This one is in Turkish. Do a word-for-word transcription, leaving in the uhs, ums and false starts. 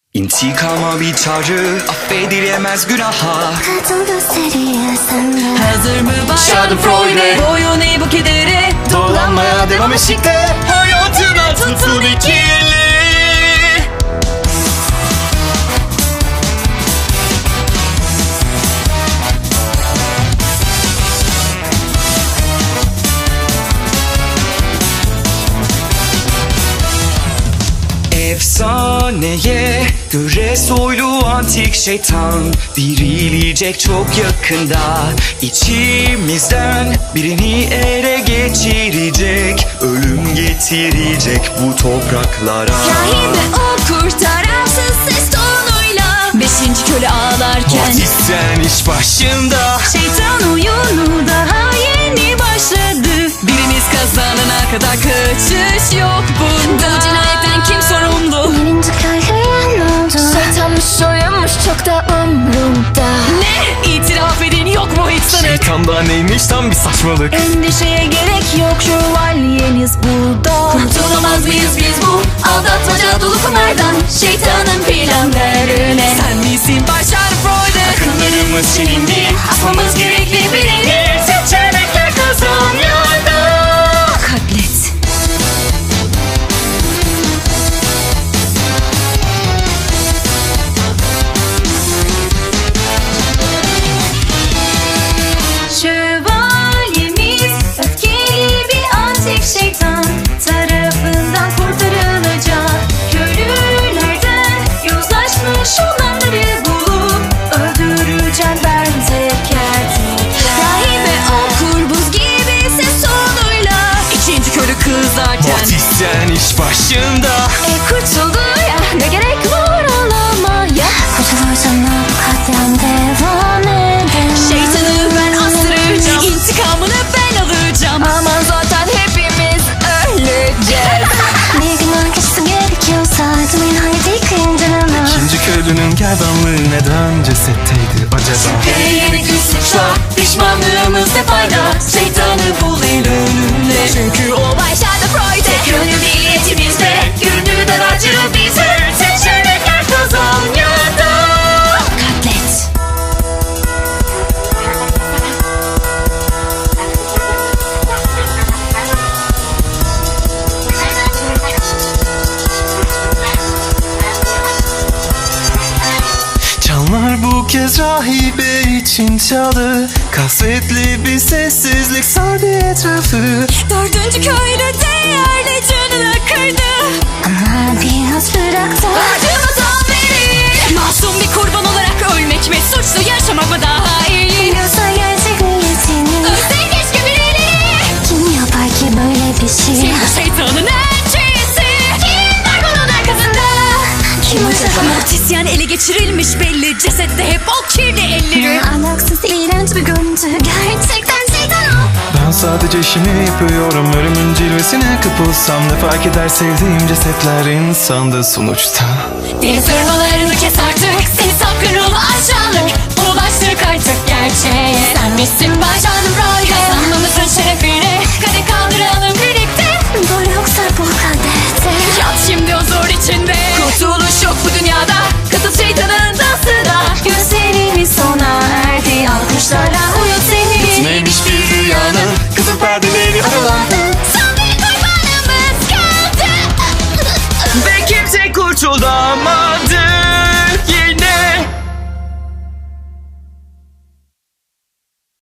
İntikama bir çağrı, affedilemez günaha. Kadın gösteriyorsan da Hazır mı bayan Schadenfreude? Boyun eğ bu kedere. Dolanmaya devam eşikte, hayatına tutun ikili. Efsaneye göre soylu antik şeytan dirilecek çok yakında. İçimizden birini ele geçirecek, ölüm getirecek bu topraklara. Rahibe o kurtaransız ses tonuyla beşinci köle ağlarken Batisten iş başında, şeytan oyunu daha yeni başladı. Birimiz kazanana kadar kaçış yok bunda. Bu cinayetten kim sorumlu? birinci kahraman oldu. Şeytanmış soyunmuş çok da umrumda. Ne? İtiraf edin yok mu hiç sanık? şeytanda neymiş tam bir saçmalık. Endişeye gerek yok, şövalyeniz burada. Kurtulamaz mıyız biz bu aldatmaca dolu kumardan? Şeytanın planlarına sen misin başar Freud'e? Akıllarımız silindi, Asmamız gerekli birini. seçenekler kazan yolda. Katlet. Şövalyemiz öfkeli bir antik şeytan tarafından kurtarılacak. Köylülerden yozlaşmış olanları bulup öldüreceğim ben teker teker. Rahibe okur buz gibi ses tonuyla ikinci köylü kızarken Batisten iş başında, E kurtuldu ya, ne gerek var ağlamaya. Kurtulursan da bu katliam devam eder. Şeytanı ben astıracağım, intikamını ben alacağım. Aman zaten hepimiz öleceğiz. Bir gün arkası gerekiyorsa adımın haydi kıyındırma. İkinci köylünün gerdanlığı neden cesetteydi acaba? Yeni güç suçla, pişmanlığımız ne fayda? Şeytanı bul el önünde. Çünkü o başladı Freud'e. Tek yönlü niyetimizde, yürüdü daracı bize. Seçenekler kazan ya da katlet. Çanlar bu kez rahibe için çaldı. Kasvetli bir sessizlik sardı etrafı. Dördüncü köylü değerli canını kırdı. Ama biraz bırak da Acımadan beri masum bir kurban olarak ölmek mi? Suçlu yaşamak mı daha iyi? biliyorsa gerçek niyetini. Ölsen keşke birileri. Kim yapar ki böyle bir şey? Kim bu şeytanın elçisi? Kim var bunun arkasında? Kim acaba? Mortisyen ele geçirilmiş belli. Cesette hep o kirli elleri. Alaksız iğrenç bir görüntü. Gerçekten şeytan o. Ben sadece işimi yapıyorum. Ölümün cilvesine kapılsam ne fark eder, sevdiğim cesetler insandı sonuçta. Deniz hırmalarını kes artık. Seni sapkın ruhlu aşağılık. Ulaştık artık gerçeğe. Sen misin başar